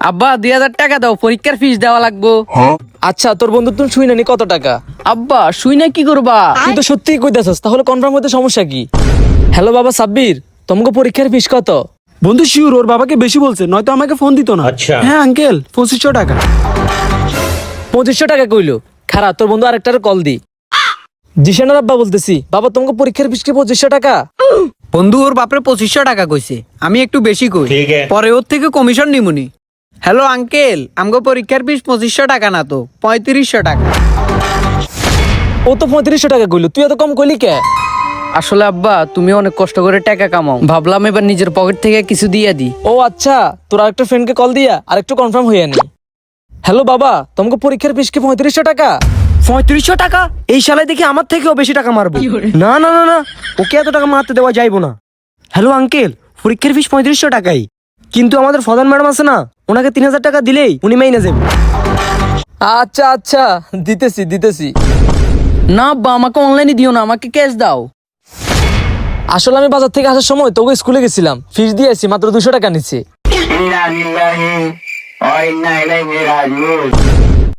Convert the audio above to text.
আব্বা 2000 টাকা দাও, পরীক্ষার ফিস দেওয়া লাগবো। আচ্ছা তোর বন্ধু তুমি শুই নানি কত টাকা? আব্বা শুই না কি করবা? তুই তো সত্যিই কইতাছস, তাহলে কনফার্ম হতে সমস্যা কি? হ্যালো বাবা সাব্বির, তোমাকে পরীক্ষার ফিস কত? বন্ধু শিওর ওর বাবাকে বেশি বলছে, নয়তো আমাকে ফোন দিত না। হ্যাঁ আঙ্কেল 2500 টাকা। 2500 টাকা কইলো। খারাপ, তোর বন্ধু আরেকটার কল দি। জিশানের আব্বা বলতেছি, বাবা তোমাকে পরীক্ষার ফিস কি 2500 টাকা? বন্ধু ওর বাপরে 2500 টাকা কইছে, আমি একটু বেশি কই, পরে ওর থেকে কমিশন নিমুনি। হ্যালো আঙ্কেল, আমগো পরীক্ষার ফিস 2500 টাকা না তো 3500 টাকা। ও তো 3500 টাকা কইলো, তুই এত কম কইলি কে? আসলে আব্বা তুমি অনেক কষ্ট করে টাকা কামাও, ভাবলাম এবার নিজের পকেট থেকে কিছু দিয়ে দি। ও আচ্ছা, তোর আরেকটা ফ্রেন্ডকে কল দিয়া আরেকটু কনফার্ম হইয়া নি। হ্যালো বাবা, তোমাকে পরীক্ষার ফিস কি 3500 টাকা? 3500 টাকা? এই শালায় দেখি আমার থেকেও বেশি টাকা মারবো। না না না না, ওকে এত টাকা মারতে দেওয়া যাইবো না। হ্যালো আঙ্কেল, পরীক্ষার ফিস 3500 টাকাই, কিন্তু আমাদের ফদান ম্যাডাম আছে না, ওনাকে 3000 টাকা দিলেই উনি মাইনে যাবে। আচ্ছা আচ্ছা, দিতেছি। না আব্বা, আমাকে অনলাইনে দিও না, আমাকে ক্যাশ দাও। আসলে আমি বাজার থেকে আসার সময় তোকে স্কুলে গেছিলাম, ফিস দিয়েছি, মাত্র 200 টাকা নিচ্ছে।